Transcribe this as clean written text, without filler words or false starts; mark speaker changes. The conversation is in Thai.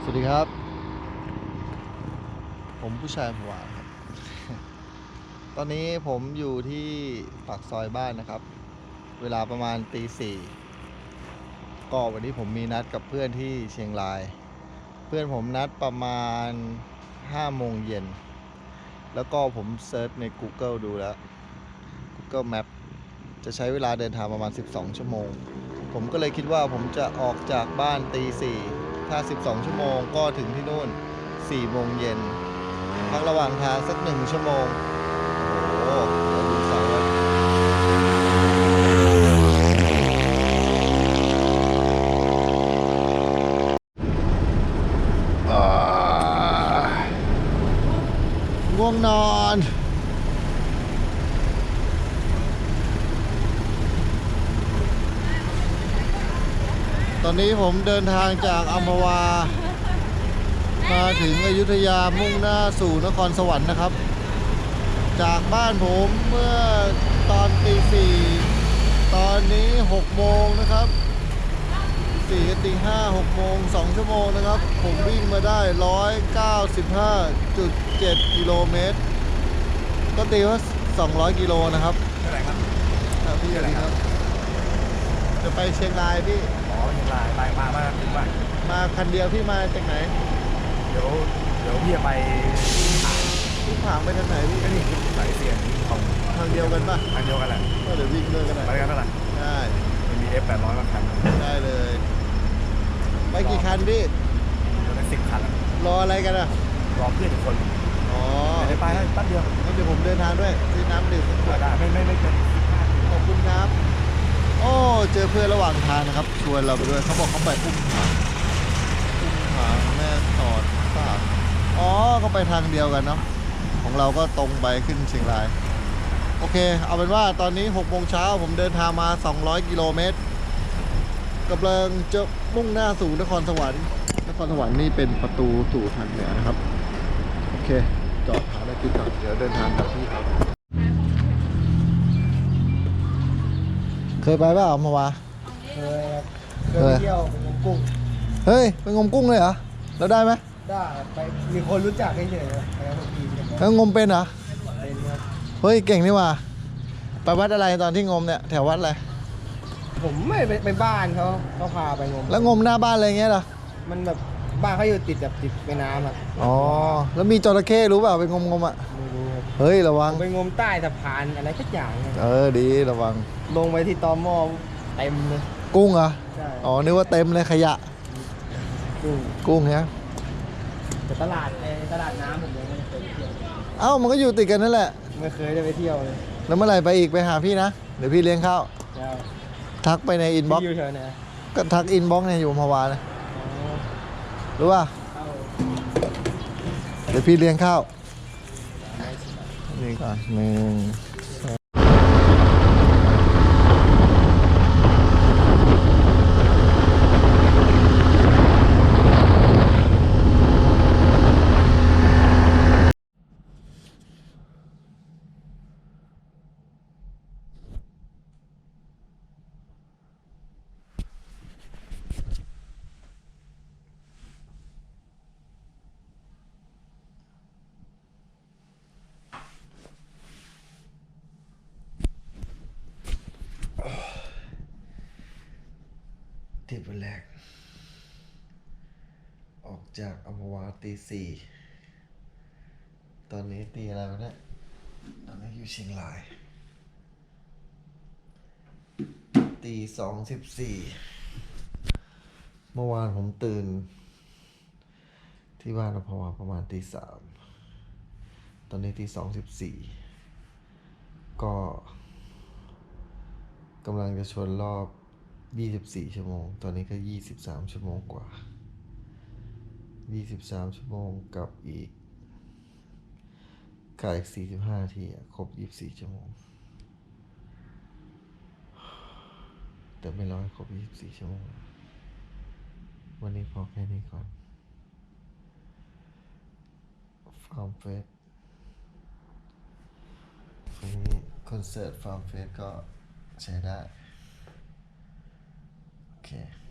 Speaker 1: วัสดีครับผมผู้ชายหัวครับ ตอนนี้ผมอยู่ที่ปากซอยบ้านนะครับเวลาประมาณตี 4ก็วันนี้ผมมีนัดกับเพื่อนที่เชียงรายเพื่อนผมนัดประมาณ5 โมงเย็นแล้วก็ผมเซิร์ชใน Google ดูแล้ว Google Map จะใช้เวลาเดินทางประมาณ12 ชั่วโมงผมก็เลยคิดว่าผมจะออกจากบ้านตี 4ถ้า12 ชั่วโมงก็ถึงที่นู่น4 โมงเย็นพักระหว่างทางสัก1 ชั่วโมงโอ้โหเราดูเสาแล้วง่วงนอน ตอนนี้ผมเดินทางจากอัมพวามาถึงอยุธยามุ่งหน้าสู่นครสวรรค์นะครับจากบ้านผมเมื่อตอนตี 4ตอนนี้6 โมงนะครับ4กับตี 5 6 โมง2 ชั่วโมงนะครับผมวิ่งมาได้195.7 กิโลเมตรก็ตีว่า200 กิโลนะครับ
Speaker 2: เท่าไหร่ครับ
Speaker 1: พี่อะไรครับจะไปเชียงรายพี่
Speaker 2: อ๋อเชียงรายไปมาถึงบ้าน
Speaker 1: มาคันเดียวพี่มาจากไหน
Speaker 2: เดี๋ยวพี่จะไป
Speaker 1: พี่ถามไปทางไหนพี่
Speaker 2: ก็นี่สายเสียงของ
Speaker 1: ทางเดียวกันป่ะ
Speaker 2: ทางเดียวกันแหละ
Speaker 1: ก็เดี๋ยววิ่งด้วยกันหน่อย
Speaker 2: ไปกันเท่าไหร่
Speaker 1: ได้
Speaker 2: มันมี F800 มาคัน
Speaker 1: ได้เลยไปกี่คันพี่
Speaker 2: เดี๋ยวได้10 คัน
Speaker 1: รออะไรกันอ่ะ
Speaker 2: รอเพื่อนอีกคน
Speaker 1: อ๋อ
Speaker 2: เดี๋ยวไปแป๊บเดียว
Speaker 1: งั้นเดี๋ยวผมเดินทางด้วยซื้อน้ำดื่ม
Speaker 2: ได้ไม่เกิน
Speaker 1: ขอบคุณครับโอ้เจอเพื่อนระหว่างทางนะครับชวนเราไปด้วยเขาบอกเขาไปอุ้มผางแม่สอดป่าอ๋อเขาไปทางเดียวกันเนาะของเราก็ตรงไปขึ้นเชียงรายโอเคเอาเป็นว่าตอนนี้6 โมงเช้าผมเดินทางมา200 กิโลเมตรกำลังจะมุ่งหน้าสู่นครสวรรค์นครสวรรค์นี่เป็นประตูสู่ทางเหนือนะครับโอเคจอดหาอะไรกินก่อนเดี๋ยวเดินทางกลับที่ครับเคยไปเปล่าเมื่อวาน
Speaker 3: เคยไปเที่ยวไปงมกุ้ง
Speaker 1: เฮ้ยไปงมกุ้งเลยเหรอแล้วได้ไหม
Speaker 3: ได้ไปมีคนรู้จักเฉยๆไปกับทีมกัน
Speaker 1: แล้วงมเป็นเหรอ
Speaker 3: เป็นครับ
Speaker 1: เฮ้ยเก่งนี่ว่าไปวัดอะไรตอนที่งมเนี่ยแถววัดอะไร
Speaker 3: ผมไม่ไปบ้านเขาพาไปงม
Speaker 1: แล้วงมหน้าบ้านอะไรเงี้ยเหรอ
Speaker 3: มันแบบบ้านเขาอยู่ติดแบบติดแม่น้ำอ่ะ
Speaker 1: อ๋อแล้วมีจระเข้รู้เปล่าไปงมอ่ะ
Speaker 3: ไม่รู้ครับ
Speaker 1: เฮ้ยระวัง
Speaker 3: ไปงมใต้สะพานอะไรสักอย่าง
Speaker 1: ดีระวัง
Speaker 3: ลงไปที่ตม.เต็มเลย
Speaker 1: กุ้งเหรอ
Speaker 3: ใช่
Speaker 1: อ๋อนึกว่าเต็มเลยขยะกุ้งเนี่ย
Speaker 3: แต่ตลาดน้ำผมยังไม่เคยไปเที่ยว
Speaker 1: เอ้ามันก็อยู่ติดกันนั่นแหละ
Speaker 3: ไม่เคยได้ไปเที่ยวเลย
Speaker 1: แล้วเมื่อไหร่ไปอีกไปหาพี่นะเดี๋ยวพี่เลี้ยงข้าวทักไปในอินบ็อกซ์
Speaker 3: อยู่แถวไหน
Speaker 1: ก็ทักอินบ็อกซ์เนี่ยอยู่มาวานะรู้ป่ะเดี๋ยวพี่เลี้ยงข้าวนี่ก่อนทริปวันแรกออกจากอัมพวาตี 4ตอนนี้ตีอะไรวะเนี่ยตอนนี้อยู่เชียงรายตี 2:14เมื่อวานผมตื่นที่บ้านอัมพวาประมาณตี 3ตอนนี้ตี 2:14ก็กำลังจะชนรอบ24 ชั่วโมงตอนนี้ก็23 ชั่วโมงกว่า23 ชั่วโมงกับอีก45 นาทีครบ24 ชั่วโมงแต่ไม่รอให้ครบ24 ชั่วโมงวันนี้พอแค่นี้ก่อนฟาร์มเฟสวันนี้คอนเสิร์ตฟาร์มเฟสก็ใช้ได้โอเค